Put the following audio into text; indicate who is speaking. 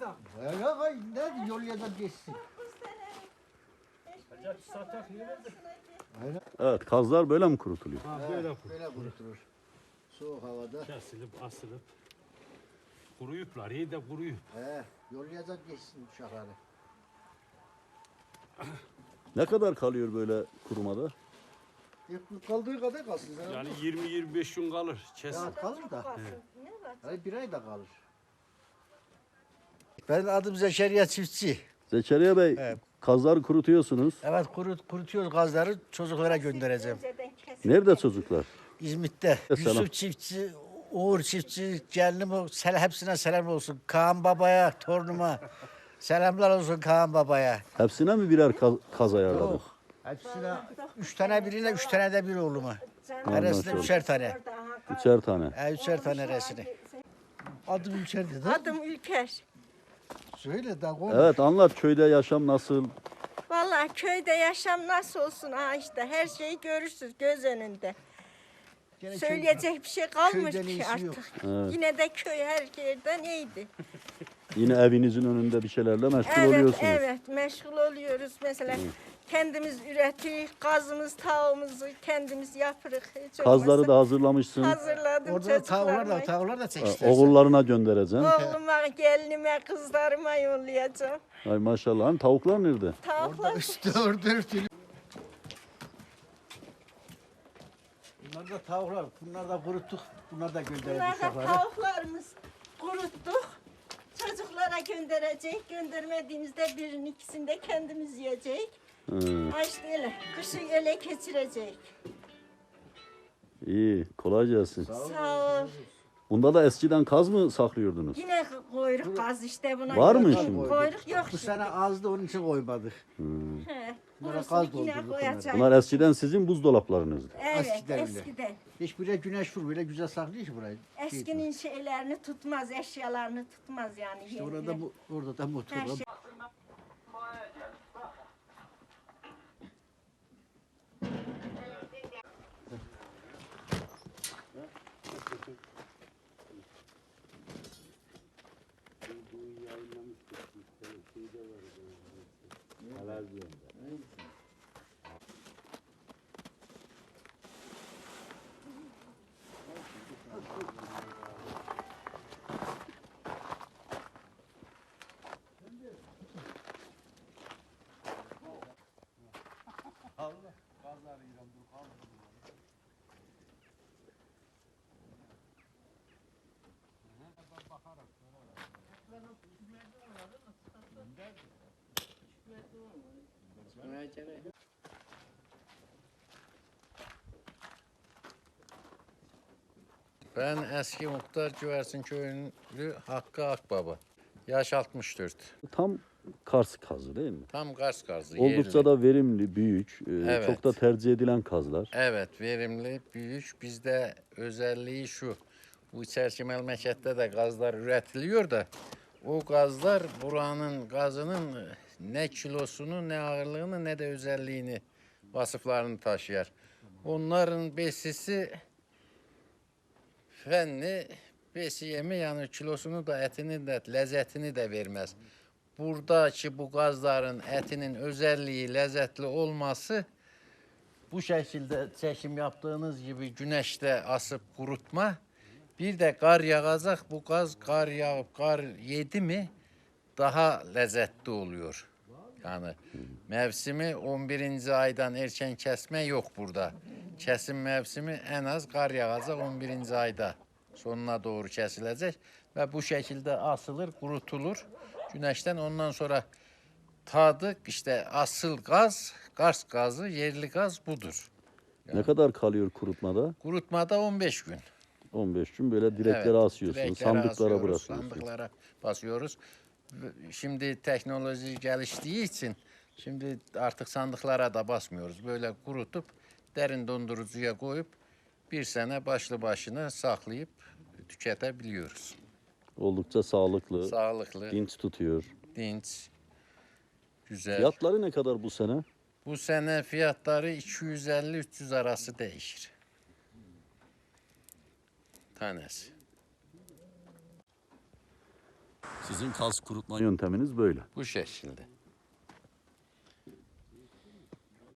Speaker 1: insan.
Speaker 2: Ne yol ya da geçsin.
Speaker 3: Evet, kazlar böyle mi kurutuluyor?
Speaker 1: Ha,
Speaker 2: Böyle kurutulur. Soğuk havada.
Speaker 1: kesilip asılıp kuruyuplar, iyi de kuruyup.
Speaker 2: Yollayacak geçsin uşakları.
Speaker 3: Ne kadar kalıyor böyle kurumada?
Speaker 2: Kaldığı kadar kalsın. Sen
Speaker 1: Yani 20-25 gün kalır. Kesin.
Speaker 2: ya kalır da. Hayır, bir ay da kalır. Benim adım Zekeriya Çiftçi.
Speaker 3: Zekeriya Bey,
Speaker 2: Evet.
Speaker 3: kazları kurutuyorsunuz.
Speaker 2: Evet, kurutuyoruz gazları, çocuklara göndereceğim.
Speaker 3: Nerede çocuklar?
Speaker 2: İzmit'te.
Speaker 3: Selam.
Speaker 2: Yusuf Çiftçi, Uğur Çiftçi, gelinim hepsine selam olsun. Kaan Baba'ya, torunuma. Selamlar olsun Kaan Baba'ya.
Speaker 3: Hepsine mi birer kaz ayarladın?
Speaker 2: Yok. Hepsine 3 tane birine, 3 tane de bir oğluma.
Speaker 3: Maşallah.
Speaker 2: Neresine 3'er tane.
Speaker 3: Üçer tane.
Speaker 2: 3'er tane resini. Adım Ülker dedi.
Speaker 4: Adım Ülker.
Speaker 2: Söyle de konuş.
Speaker 3: Evet, anlat köyde yaşam nasıl?
Speaker 4: Vallahi köyde yaşam nasıl olsun ha işte her şeyi görürsünüz göz önünde.
Speaker 2: Gene
Speaker 4: Söyleyecek bir şey kalmış
Speaker 2: köyden
Speaker 4: ki
Speaker 2: iyisi
Speaker 4: artık.
Speaker 2: yok.
Speaker 3: Evet.
Speaker 4: Yine de köy her yerden iyiydi.
Speaker 3: Yine evinizin önünde bir şeylerle meşgul
Speaker 4: Evet,
Speaker 3: oluyorsunuz.
Speaker 4: evet meşgul oluyoruz. Mesela kendimiz üretiyoruz, gazımız, tavuğumuzu kendimiz yaparız. Hiç
Speaker 3: Kazları
Speaker 4: olmazsa
Speaker 3: da hazırlamışsın.
Speaker 4: hazırladım
Speaker 2: Orada
Speaker 4: çocuklarıma.
Speaker 2: tavuklar da çek
Speaker 3: Ha,
Speaker 2: istersen.
Speaker 3: Oğullarına göndereceksin.
Speaker 4: Oğluma, gelinime, kızlarıma yollayacağım.
Speaker 3: Ay maşallah. Hani tavuklar nerede?
Speaker 4: Tavuklar
Speaker 2: Üstü örtülü. Bunlar da tavuklar. Bunlar da kuruttuk. Bunlar da gönderdik
Speaker 4: Bunlar da
Speaker 2: uşaklara.
Speaker 4: tavuklarımız kuruttuk. Çocuklara gönderecek. Göndermediğimizde birinin ikisini de kendimiz yiyecek. Ha işte öyle. Kışı öyle geçirecek.
Speaker 3: İyi, kolay gelsin.
Speaker 4: Sağ ol.
Speaker 3: Bunda da eskiden kaz mı saklıyordunuz?
Speaker 4: Yine koyruk gaz işte buna.
Speaker 3: Var mı
Speaker 4: yok.
Speaker 3: şimdi?
Speaker 4: Koyruk yok
Speaker 2: Bu
Speaker 4: şimdi.
Speaker 2: sene azdı, onun için koymadık.
Speaker 4: He.
Speaker 2: Bunlara
Speaker 4: Burası
Speaker 2: gaz
Speaker 4: yine
Speaker 2: doldurduk
Speaker 4: koyacak.
Speaker 3: Bunlar eskiden sizin buzdolaplarınızdı.
Speaker 4: Evet
Speaker 2: eskiden öyle.
Speaker 4: eskiden.
Speaker 2: Hiç buraya güneş vur, böyle güzel saklıyor ki burayı.
Speaker 4: Eskinin şeylerini tutmaz, eşyalarını tutmaz yani.
Speaker 2: İşte orada da motor
Speaker 4: Her
Speaker 2: var.
Speaker 4: şey.
Speaker 5: Ben eski muhtar Güvercin Köyü'nü Hakkı Akbaba. Yaş 64.
Speaker 3: Tam Kars kazı değil mi?
Speaker 5: Tam Kars kazı.
Speaker 3: Oldukça
Speaker 5: yerli.
Speaker 3: da verimli, büyük,
Speaker 5: Evet.
Speaker 3: çok da tercih edilen kazlar.
Speaker 5: Evet, verimli, büyük. Bizde özelliği şu. Bu içeriki memlekette de gazlar üretiliyor da o gazlar buranın gazının ne kilosunu, ne ağırlığını, ne de özelliğini, vasıflarını taşıyor. Onların besisi fenli, besi yemi yani kilosunu da etini de lezzetini de vermez. Buradaki bu gazların etinin özelliği lezzetli olması bu şekilde çekim yaptığınız gibi güneşte asıp kurutma. Bir de kar yağacak bu gaz kar yağıp kar yedi mi daha lezzetli oluyor. Yani mevsimi 11. aydan erken kesme yok burada. Kesim mevsimi en az kar yağacak 11. ayda sonuna doğru kesilecek ve bu şekilde asılır, kurutulur. Güneşten ondan sonra tadı işte asıl gaz, Kars gazı, yerli gaz budur.
Speaker 3: Ne kadar kalıyor kurutmada?
Speaker 5: Kurutmada 15 gün.
Speaker 3: 15 gün böyle direklere
Speaker 5: Evet,
Speaker 3: asıyorsun,
Speaker 5: direklere
Speaker 3: sandıklara
Speaker 5: asıyoruz,
Speaker 3: bırakıyorsun.
Speaker 5: sandıklara basıyoruz. Şimdi teknoloji geliştiği için şimdi artık sandıklara da basmıyoruz. Böyle kurutup derin dondurucuya koyup bir sene başlı başına saklayıp tüketebiliyoruz.
Speaker 3: Oldukça sağlıklı,
Speaker 5: Sağlıklı,
Speaker 3: dinç tutuyor.
Speaker 5: dinç, güzel.
Speaker 3: Fiyatları ne kadar bu sene?
Speaker 5: Bu sene fiyatları 250-300 arası değişir. Tanesi.
Speaker 3: Sizin kaz kurutma yönteminiz böyle.
Speaker 5: Bu şekilde.